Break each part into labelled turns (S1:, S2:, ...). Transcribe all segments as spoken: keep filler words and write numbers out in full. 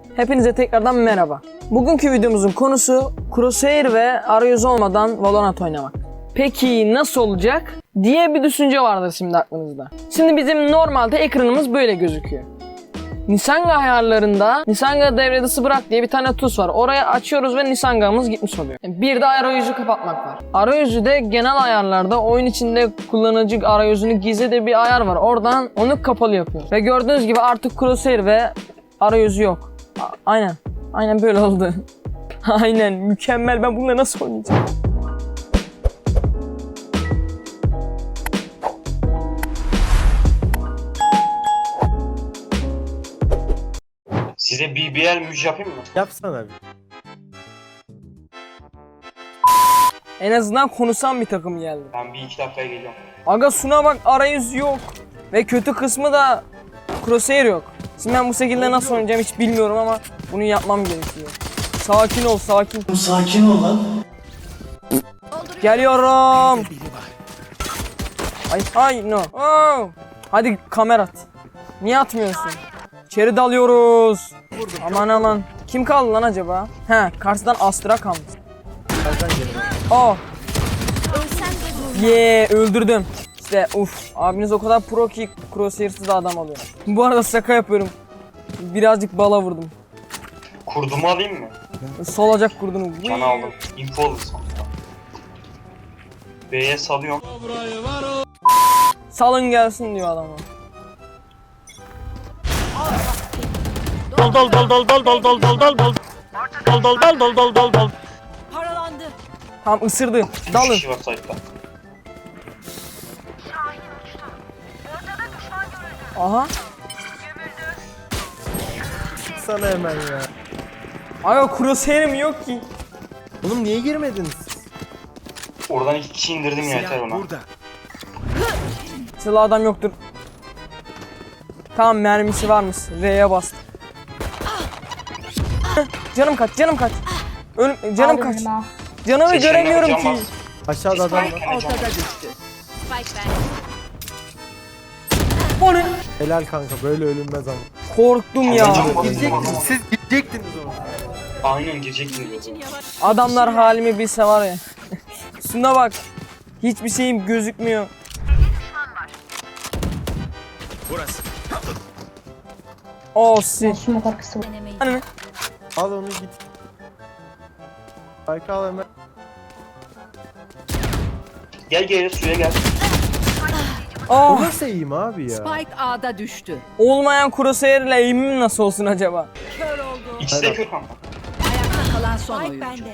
S1: Hepinize tekrardan merhaba. Bugünkü videomuzun konusu Crosshair ve arayüzü olmadan Valorant oynamak. Peki nasıl olacak diye bir düşünce vardır şimdi aklınızda. Şimdi bizim normalde ekranımız böyle gözüküyor. Nisanga ayarlarında Nisanga devre dışı bırak diye bir tane tuş var. Oraya açıyoruz ve Nisanga'mız gitmiş oluyor. Bir de arayüzü kapatmak var. Arayüzü de genel ayarlarda oyun içinde kullanıcı arayüzünü gizli de bir ayar var. Oradan onu kapalı yapıyor. Ve gördüğünüz gibi artık Crosshair ve arayüzü yok. A- aynen. Aynen böyle oldu. Aynen mükemmel. Ben bununla nasıl oynayacağım?
S2: Size B B L müj yapayım mı?
S3: Yapsana bir.
S1: En azından konuşan bir takım geldi.
S2: Ben bir iki dakikaya geliyorum.
S1: Aga Suna bak arayüz yok. Ve kötü kısmı da Crosshair yok. Şimdi ben bu şekilde nasıl oynayacağım hiç bilmiyorum ama bunu yapmam gerekiyor. Sakin ol sakin.
S3: Sakin ol lan.
S1: Geliyorum. Ay ay no. Oh. Hadi kamera at. Niye atmıyorsun? İçeri dalıyoruz. Aman aman. Kim kaldı lan acaba? He karşıdan Astra kalmış. Oh. Yeee öldürdüm. İşte uf abiniz o kadar pro ki Crosshair'sız da adam alıyor. Bu arada şaka yapıyorum. Birazcık bala vurdum.
S2: Kurdumu alayım mı?
S1: Solacak kurdunu.
S2: Can aldım. Info aldım sonuçta. B'ye salıyorum.
S1: Salın gelsin diyor adama.
S3: Dol dol dol dol dol dol dol dol dol dol. Dol dol dol dol dol dol dol.
S4: Paralandı.
S1: Tam ısırdı.
S2: Üç
S1: Dalın.
S2: kişi var site'da.
S1: Aha.
S3: Sana hemen ya.
S1: Aga Crosshair'im yok ki.
S3: Oğlum niye girmediniz?
S2: Oradan iki kişi indirdim ya yeter ona.
S1: Silah adam yoktur. Tamam mermisi varmış. R'ye bastım. Canım kaç, canım kaç. Ölüm, canım kaç. Canımı
S2: Seçenler
S1: göremiyorum
S2: can
S1: ki.
S2: bas.
S3: Aşağıda adam var.
S4: Ortada düştü. Spike ben.
S1: O ne?
S3: Helal kanka böyle ölünmez ama.
S1: Korktum ya.
S2: Can bas.
S3: Siz gidecektiniz onu.
S2: Aynen girecektim diyordu.
S1: Adamlar halimi bilse var ya. Şuna bak. Hiçbir şeyim gözükmüyor.
S5: Burası.
S1: Oh si.
S6: Smoke arkası var.
S1: Hani
S3: Al onu git. Spike al hemen.
S2: Gel gel suya gel.
S3: O
S1: oh.
S3: nasıl eğim abi ya?
S4: Spike A'da düştü.
S1: Olmayan Crosshair ile aim'im nasıl olsun acaba?
S4: Kör oldu.
S2: İkisi de kör kanka.
S4: Ayakta kalan son oyuncu. Bende.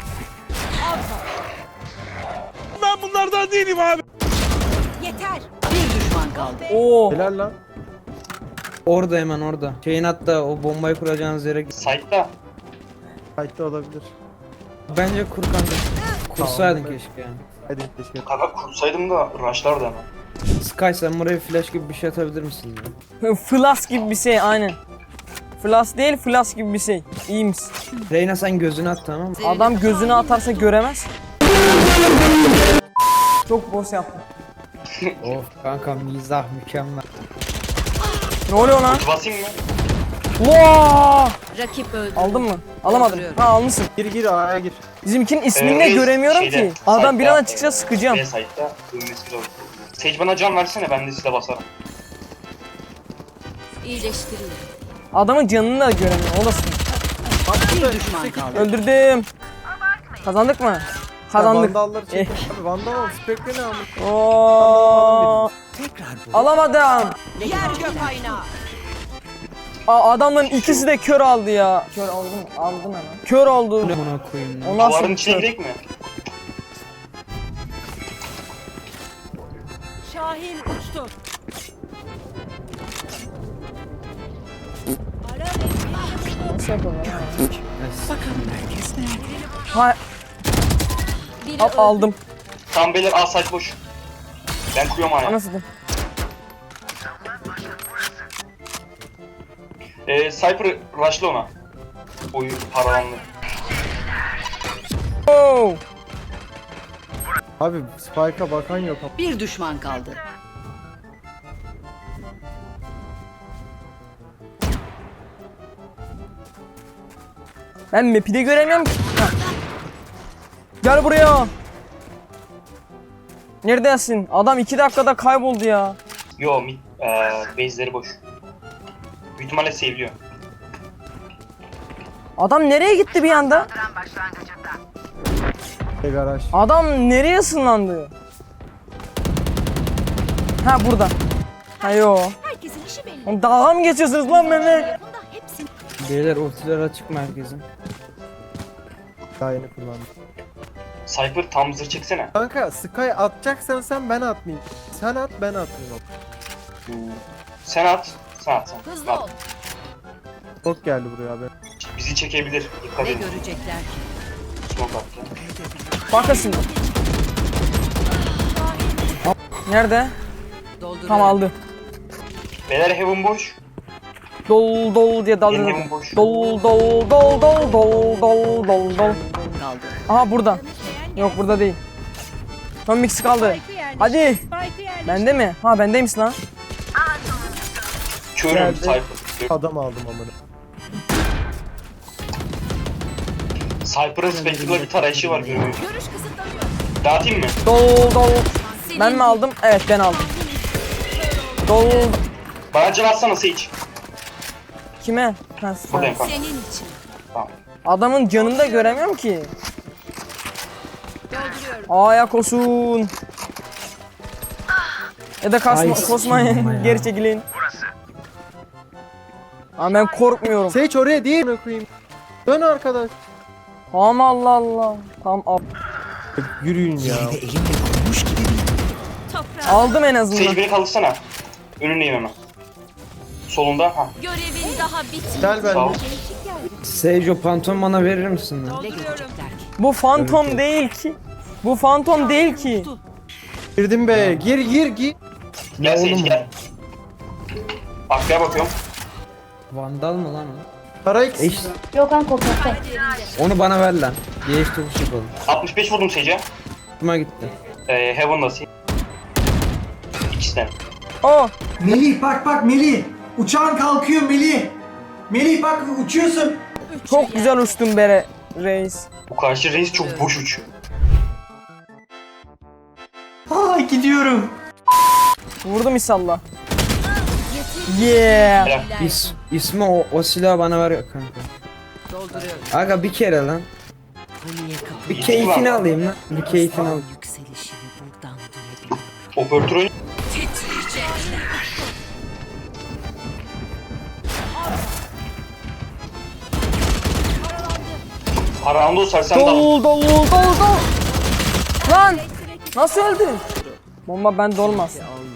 S5: Ben bunlardan değilim abi.
S4: Yeter. Bir düşman kaldı.
S1: Oo.
S3: Helal lan.
S7: Orada hemen orada. Şeyin hatta o bombayı kuracağınız yere git.
S2: Site'da.
S3: Fight'ta olabilir.
S7: Bence kur kanka. Kursaydın
S3: Tamam.
S7: keşke yani.
S3: Hadi teşekkür
S2: Kanka kursaydım da rushlardı hemen.
S7: Sky sen buraya flash gibi bir şey atabilir misin? Ya?
S1: Flash gibi bir şey aynen. Flash değil flash gibi bir şey. İyiymiş.
S7: Reyna sen gözünü at tamam mı?
S1: Adam gözünü atarsa göremez. Çok boş yaptım.
S7: Of kanka mizah mükemmel.
S1: Ne oluyor lan?
S2: Basayım mı?
S1: Vaa!
S4: Rakip öldü.
S1: Aldın mı? Alamadım. Ha almışsın.
S3: Gir gir A'ya gir.
S1: Bizimkinin ismini de
S2: Ee,
S1: göremiyorum
S2: şeyde,
S1: ki. Adam bir
S2: site'da,
S1: anda çıksa
S2: e,
S1: sıkacağım.
S2: B site'da. Ölmesi lazım. Sage bana can versene ben de size basarım.
S4: İyileştiriyor.
S1: Adamın canını da göremiyorum. O da sıkıntı.
S4: Bir düşman kaldı.
S1: Öldürdüm. Kazandık mı? Kazandık.
S3: Vandalları çekin. Abi vandal al. Spectre ne almış?
S1: Oo. Alamadım.
S4: Yer gök aynağı.
S1: Aa, adamların ikisi de kör aldı ya. Kör aldın mı? Aldın hemen. Kör oldu.
S7: Buna koyayım lan.
S1: O nasıl
S2: Duvarın
S1: bir
S2: içine
S1: kör?
S2: girek mi?
S4: Şahin uçtu.
S1: Nasıl yapalım ya?
S7: Yes.
S1: Ha,
S4: Biri
S1: al, aldım.
S2: Tam beyler A site boş. Ben kuruyorum aya.
S1: Anasını.
S2: Ee, Cypher rush'la ona. Oyu paralandı.
S1: Oo.
S3: Abi Spike'a bakan yok.
S4: Bir düşman kaldı.
S1: Ben map'i de göremiyorum ki. Ha. Gel buraya. Neredesin? Adam iki dakikada kayboldu ya.
S2: Yo mid, eee base'leri boş. Büyük ihtimalle save'liyor.
S1: Adam nereye gitti bir anda?
S6: Garaj.
S1: Adam nereye ısınlandı? Ha burada. Ha yo.
S4: Herkesin işi belli.
S1: Oğlum dalga mı geçiyorsunuz lan benimle?
S4: Bunda hepsini
S7: Beyler ultiler açık mı herkesin?
S6: Daha yeni kullandım.
S2: Cypher tam zırh çeksene.
S6: Kanka Sky atacaksan sen ben atmayayım. Sen at ben atmayayım.
S2: Sen at. Sen at sen.
S4: hızlı
S2: At.
S4: ol.
S6: Çok geldi buraya abi.
S2: Bizi çekebilir. Dikkat
S4: Ne
S2: edin.
S4: görecekler ki?
S2: Smoke attı.
S1: Bakın şimdi. Nerede?
S4: Dolduruyorum.
S1: Tam aldı.
S2: Beyler heaven boş.
S1: Dol dol diye daldı.
S2: Benim heaven boş.
S1: Dol dol dol dol dol dol dol dol.
S4: Kaldı.
S1: Aha burada. Yok burada değil. Son mix kaldı. Hadi. Bende mi? Ha bendeymiş lan.
S2: Körüm
S1: Geldi.
S2: Cypher.
S6: Adam aldım amına.
S2: Cypher'ın Spectre'la bir tarayışı var görüyorum.
S4: Görüş kısıtlanıyor.
S2: Dağıtayım mı?
S1: Dol dol. Ben mi aldım? Evet ben aldım. Dol.
S2: Bana can atsana Sage.
S1: Kime? Ha,
S2: Buradayım kanka.
S4: Senin için.
S2: Tamam.
S1: adamın canını da göremiyorum ki.
S4: Dolduruyorum.
S1: Ayak olsun. Ya da kasma,
S7: Ay,
S1: kosmayın.
S7: sikeyim ya.
S1: Geri çekilin. Ama ben korkmuyorum.
S6: Sage oraya değil mi koyayım? Dön arkadaş.
S1: Tamam Allah Allah. Tamam al.
S6: Yürüyün ya.
S4: Toprağa.
S1: Aldım en
S2: Sage
S1: azından.
S2: beni kaldırsana. Önündeyim hemen. Solunda. Ha.
S4: Görevin daha bitmedi.
S6: Gel
S2: Sağ ol.
S6: ben.
S7: Sage o pantolon bana verir misin lan?
S4: Ne görecekler ki?
S1: Bu fantom değil ki. Bu fantom değil ki.
S6: Girdim be. Gir gir gir.
S2: Gel Sage
S7: oğlum?
S2: gel. Arkaya bakıyorum.
S7: Vandal mı lan o?
S6: Para X.
S7: Eş,
S8: Yok kanka korkakta.
S7: onu bana ver lan. Geç tokuş yapalım.
S2: altmış beş vurdum Sage'e.
S7: Hoşuma gitti.
S2: Ee, Heaven'da Sage. İkisi de.
S1: Oh.
S9: Melih bak bak Melih. Uçağın kalkıyor Melih. Melih bak uçuyorsun.
S1: Çok güzel uçtun bere reis.
S2: Bu karşı reis çok boş uçuyor.
S9: Ay gidiyorum.
S1: Vurdum inşallah. Yeah.
S2: Helal.
S7: İs, ismi o, o silahı bana ver kanka.
S4: Dolduruyorum.
S7: Aga bir kere lan.
S4: Paniğe kapı.
S7: Bir keyfini alayım lan. Bir keyfini al.
S4: Yükselişini buradan duyabiliyorum.
S2: Operatör oyun. Parandı o sersem dalın.
S1: Dol dol dol dol. Lan. Nasıl öldün? Bomba bende olmaz.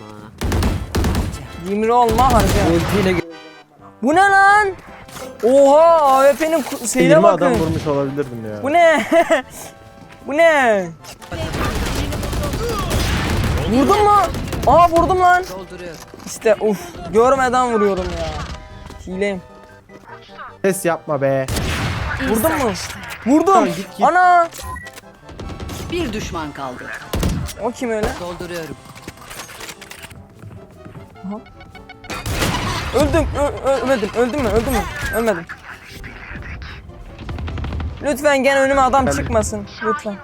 S1: Yimri olma harca.
S7: Ultiyle ge-
S1: Bu ne lan? Oha A W P'nin ku- şeyine
S6: yirmi adam
S1: bakın.
S6: vurmuş olabilirdim ya.
S1: Bu ne? Bu ne? Vurdun mu? Aa vurdum lan.
S4: Dolduruyorum.
S1: İşte uf görmeden vuruyorum ya. Hileyim.
S6: Ses yapma be.
S1: Vurdun mu? Vurdum.
S6: Tamam, git, git.
S1: Ana.
S4: Bir düşman kaldı.
S1: O kim öyle?
S4: Dolduruyorum.
S1: Öldüm. Ö- ölmedim. Öldüm mü? Öldüm mü? Ölmedim. Lütfen gene önüme adam çıkmasın. Lütfen.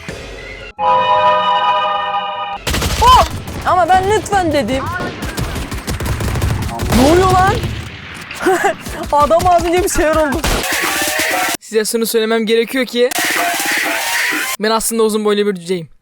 S1: Oh! Ama ben lütfen dedim. Ne oluyor lan? Adam az önce bir şeyler oldu. Size şunu söylemem gerekiyor ki ben aslında uzun boylu bir cüceyim.